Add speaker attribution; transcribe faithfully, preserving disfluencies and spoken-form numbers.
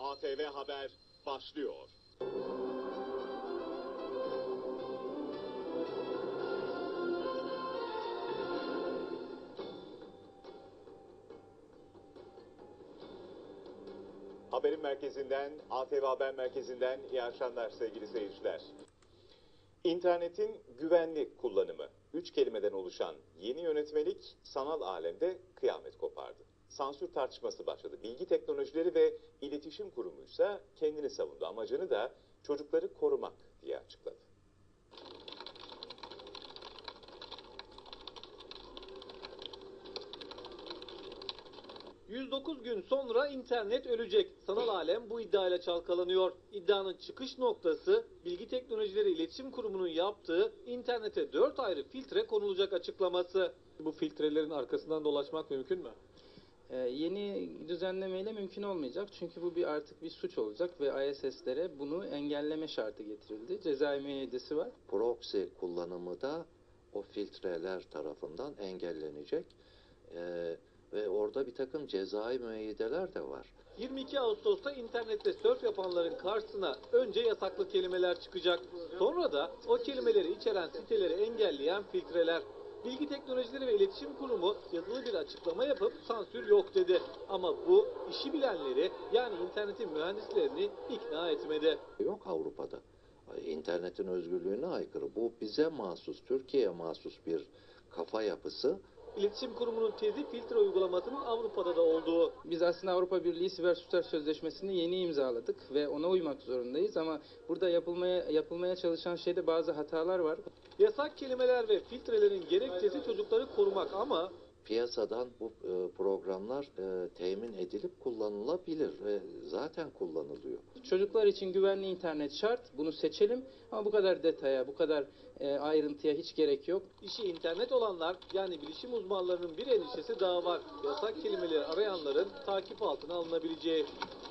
Speaker 1: A T V Haber başlıyor. Haberin merkezinden, A T V Haber merkezinden iyi akşamlar sevgili seyirciler. İnternetin güvenli kullanımı. Üç kelimeden oluşan yeni yönetmelik sanal alemde kıyamet kopardı. Sansür tartışması başladı. Bilgi Teknolojileri ve İletişim Kurumu ise kendini savundu. Amacını da çocukları korumak diye açıkladı.
Speaker 2: yüz dokuz gün sonra internet ölecek. Sanal alem bu iddiayla çalkalanıyor. İddianın çıkış noktası Bilgi Teknolojileri İletişim Kurumu'nun yaptığı internete dört ayrı filtre konulacak açıklaması. Bu filtrelerin arkasından dolaşmak mümkün mü?
Speaker 3: Ee, yeni düzenlemeyle mümkün olmayacak. Çünkü bu bir artık bir suç olacak ve I S S'lere bunu engelleme şartı getirildi. Cezai müeyyidesi var.
Speaker 4: Proxy kullanımı da o filtreler tarafından engellenecek. Ee, ve orada bir takım cezai müeyyideler de var.
Speaker 2: yirmi iki Ağustos'ta internette sörf yapanların karşısına önce yasaklı kelimeler çıkacak. Sonra da o kelimeleri içeren siteleri engelleyen filtreler. Bilgi Teknolojileri ve İletişim Kurumu yazılı bir açıklama yapıp sansür yok dedi. Ama bu işi bilenleri yani internetin mühendislerini ikna etmedi.
Speaker 4: Yok Avrupa'da. İnternetin özgürlüğüne aykırı. Bu bize mahsus, Türkiye'ye mahsus bir kafa yapısı.
Speaker 2: İletişim Kurumu'nun tezi filtre uygulamasının Avrupa'da da olduğu.
Speaker 3: Biz aslında Avrupa Birliği Siber Suçlar Sözleşmesi'ni yeni imzaladık ve ona uymak zorundayız ama burada yapılmaya yapılmaya çalışan şeyde bazı hatalar var.
Speaker 2: Yasak kelimeler ve filtrelerin gerekçesi çocukları korumak ama
Speaker 4: Piyasadan bu e, programlar e, temin edilip kullanılabilir ve zaten kullanılıyor.
Speaker 3: Çocuklar için güvenli internet şart. Bunu seçelim ama bu kadar detaya, bu kadar e, ayrıntıya hiç gerek yok.
Speaker 2: işi internet olanlar yani bilişim uzmanlarının bir endişesi daha var. Yasak kelimeleri arayanların takip altına alınabileceği.